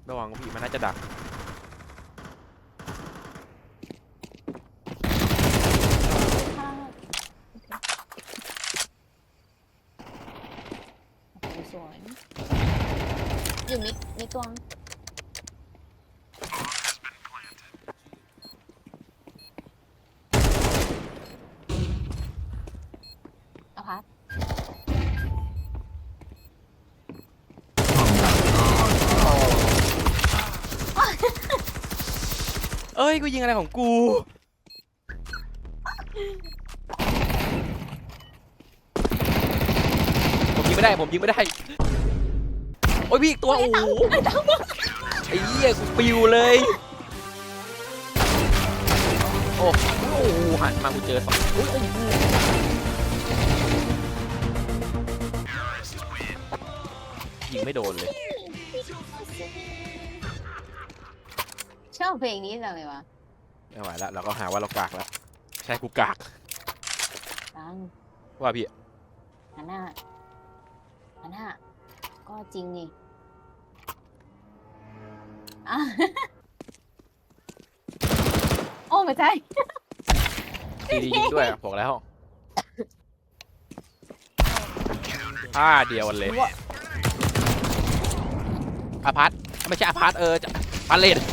ระวังพี่มันน่าจะดักสวยอยู่มิดตัวเอาพัดเอ้ยกูยิงอะไรของกูผมยิงไม่ได้โอ้ยพี่อีกตัวโอ้โหไอ้เหี้ยกูปิวเลยโอ้โหหันมากูเจอสองโอ้โหยิงไม่โดนเลยชอบเพลงนี้จังเลยวะไม่ไหวแล้วเราก็หาว่าเรากากแล้วใช่กูกากตังว่าพี่หันหน้าก็จริงนี่อ่ะ โอ้ไม่ใช่ดียิงด้วยบอกแล้วท่าเดียวกันเลยอาพาร์ตไม่ใช่อาพาร์ตจะพาเลต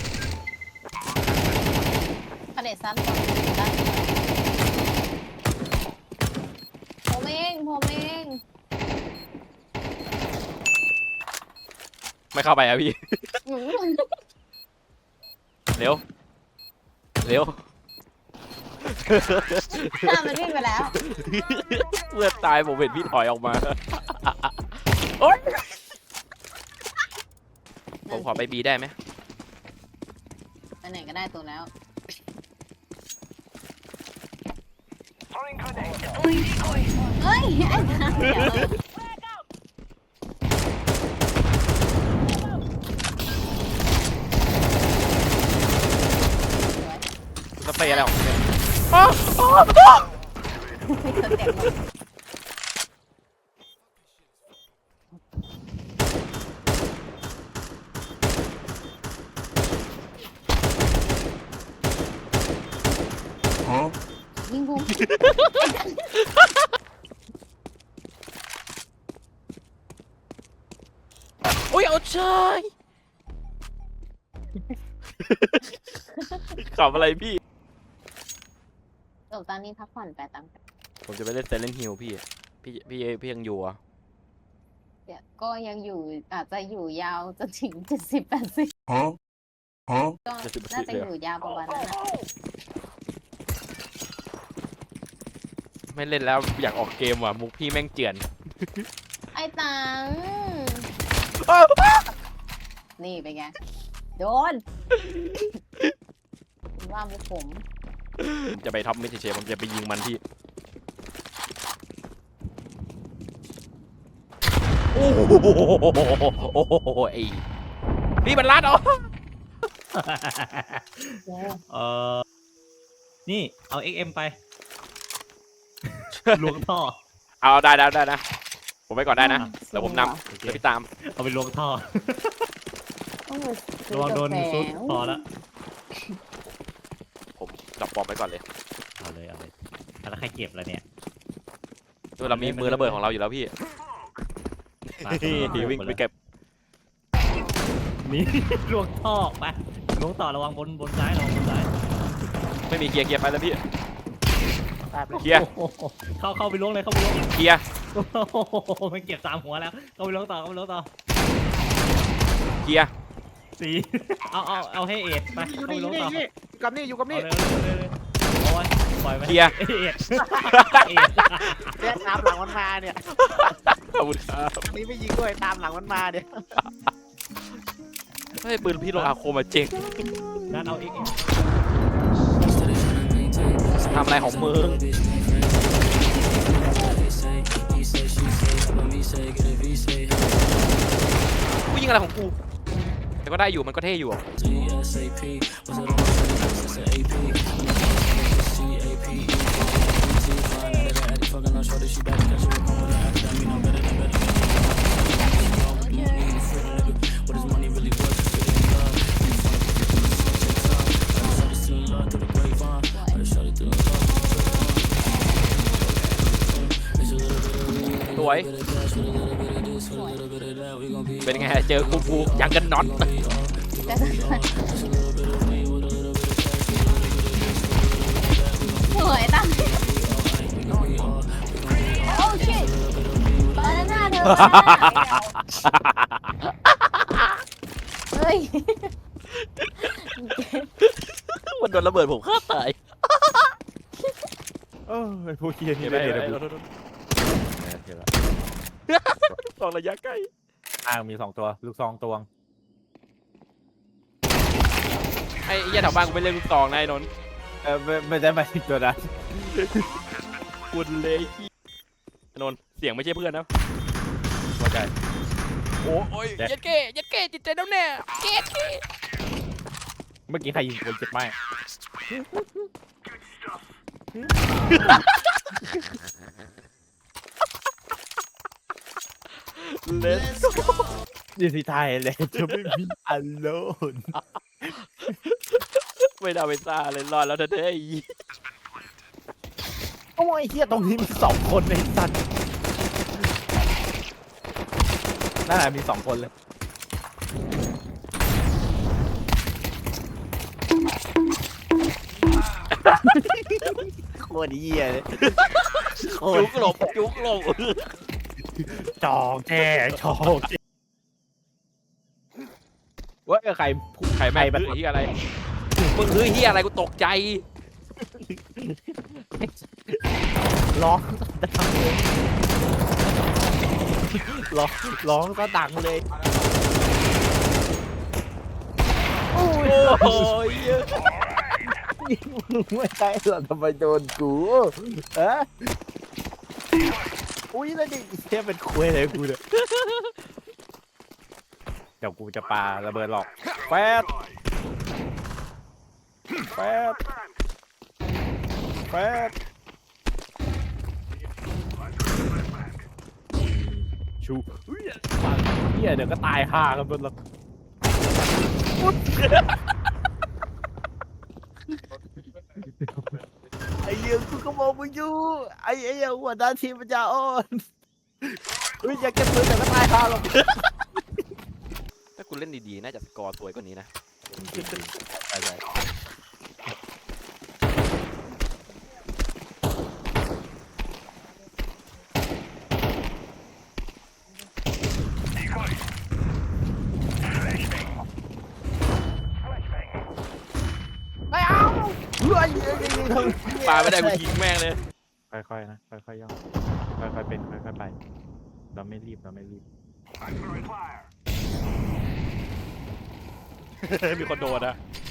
ประเด็นซ้ำต่อได้ผมเองไม่เข้าไปอะพี่ เร็วมันวิ่งไปแล้วเมื่อตายผมเห็นพี่ถอยออกมาโอ๊ยผมขอไปบีได้ไหมไปไหนก็ได้ตัวแล้วเฮ้ยไอ้ทางเดี๋ยวสเปรย์อะไรของเนี่ยยิงกูโอ้ยเอาเชยขับอะไรพี่จบตอนนี้พักผ่อนไปตามกันผมจะไปเล่นเซเลนฮิลพี่ยังอยู่อ่ะเดี๋ยวก็ยังอยู่อาจจะอยู่ยาวจนถึง70-80ก็น่าจะอยู่ยาวประมาณนั้นนะไม่เล่นแล้วอยากออกเกมว่ะมุกพี่แม่งเจือนไอ้ตังนี่เป็นไงโดนว่ามุกผมจะไปท็อปมิดเฉยๆผมจะไปยิงมันที่โอ้โหไอ้พี่มันลัดเหรอนี่เอา XM ไปล้วงท่อเอาได้นะผมไปก่อนได้นะแล้วผมนำเดี๋ยวพี่ตามเอาไปล้วงท่อต้องมาซื้อระวังโดนกาแฟซุดพอแล้วผมจับปอมไปก่อนเลยเอาเลยแล้วใครเก็บแล้วเนี่ยตัวเรามีมือระเบิดของเราอยู่แล้วพี่ วิ่งไปเก็บนี่ล้วงท่อไปล้วงต่อระวังบนซ้ายระวังบนซ้ายไม่มีเกียร์ไปแล้วพี่เกียร์เข้าไปล้วงเลยเข้าไปล้วงเกียร์มันเก็บ3 หัวแล้วเข้าไปล้วงต่อเกียร์ 4เอาให้เอ็ดไปอยู่เข้าไปนี่ล้วงต่ออยู่กับนี่เลยโอ้ยปล่อยไปเกียร์เอ็ดเนี่ยตามหลังมันมาเนี่ยขอบคุณครับอันนี้ไม่ยิงด้วยตามหลังมันมาเนี่ยเฮ้ยปืนพี่ลงอาโคมาเจ๋งนั่นเอา XM ทำอะไรของมึงกูยิงอะไรของกูแต่ก็ได้อยู่มันก็เท่อยู่เจอกูยังกันน็อตจะสวยตั้งโอ้ชิตบานาน่าเธอเฮ้ยมันโดนระเบิดผมฆ่าตายไอ้พวกเคียนี่เห็นไหมได้เห็นเห็นไหมแล้วสองระยะใกล้อ้างมี2ตัวลูกซองตวงไอ้เหี้ยแถวบ้านกูไปเล่นลูกซองนายนนท์ไม่ได้มาถึงตัวนั้นคุณเลยนนท์เสียงไม่ใช่เพื่อนนะเข้าใจโอ้ยยัดเก้จิตใจน้ำแน่เก้เมื่อกี้ใครยิงคนเจ็บไหมเล่นดีสิไทยเลยจะไม่มีอันโลนไม่ได้ไปซ่าเลยรอดแล้วเธอเด้ยโอ้ยเฮียตรงนี้มี2คนในสัตว์นั่นแหละมี2คนเลยโคตรเหี้ยเลยโคตจุกหลบจองแช่จองแช่ว่าใครใครแม่งคือเฮียอะไรมึงคือเฮียอะไรกูตกใจร้องดังเลยร้องก็ดังเลยโอ้ยมึงไม่ใช่หรอทำไมโดนกูฮะอุ้ยแล้วดิเทียเป็นคุยอะไรกูเนี่ยเดี๋ยวกูจะปาระเบิดหรอกแฟดชูเฮียเดี๋ยวก็ตายห่ากันหมดแล้วไอ้เหี้ยกูก็มองมึงอยู่ไอ้เหี้ยหัวหน้าทีมมันจะอ่อนอยากเก็บปืนแต่ก็ตายห่าหรอกถ้าคุณเล่นดีๆน่าจะสกอร์สวยกว่านี้นะใช่ไม่เอาปาไม่ได้กูยิงแม่งเลยค่อยๆนะค่อยๆย่องค่อยๆเป็นค่อยๆไปเราไม่รีบมีคนโดนอะ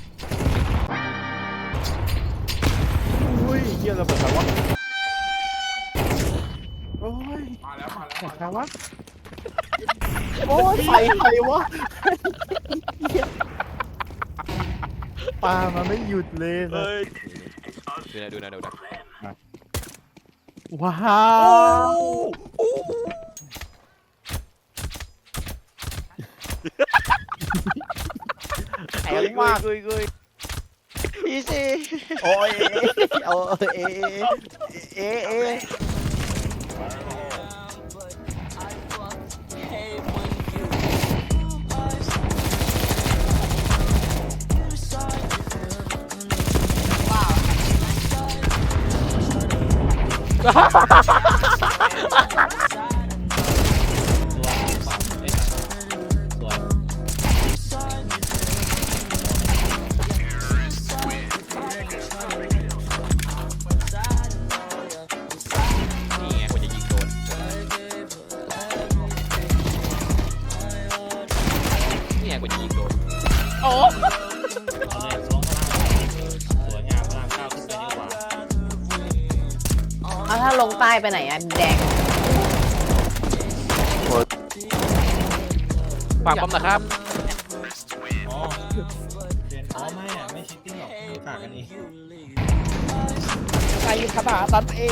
อุ้ยเยี่ยระเบิดใครวะโอ้ยมาแล้วใครวะโอ้ยไฟใครวะปามันไม่หยุดเลยนะเฮ้ยดูนะว้าวแข็งมากพี่สิโอ้ยเอานี่ไงคนจะยิงโดนนี่ไงคนจะยิงโดนโอ้เอาถ้าลงใต้ไปไหนอะแดงฝากผมนะครับไม่ชิตติ้งหรอกฝากกันเองใครขนาดนั้นเอง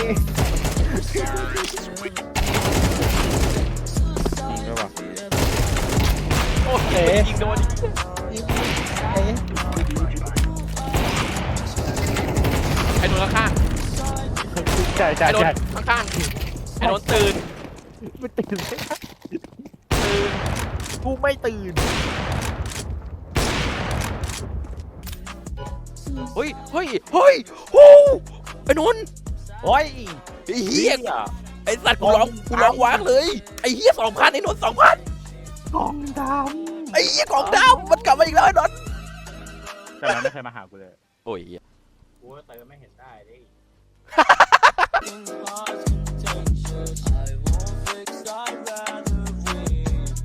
ใช่ป่ะโอ้ยยิงโดนไอ้โดนข้างใช่ไอ้โดนข้างไอ้โดนตื่นไม่ตื่นเลยตื่นกูไม่ตื่นเฮ้ยเฮ้ยเฮ้ยโอ้ไอ้นนท์โอ้ยไอ้เหี้ยไอ้สัตว์กูร้องว้างเลยไอ้เหี้ย2,000ไอ้นนท์2,000 กองดไอ้เหี้ยกล่องดำมันกลับมาอีกแล้วไอ้นนท์ำแต่มันไม่เคยมาหากูเลยโอ้ยกูเติมไม่เห็นได้ดิ I won't fix, I'd rather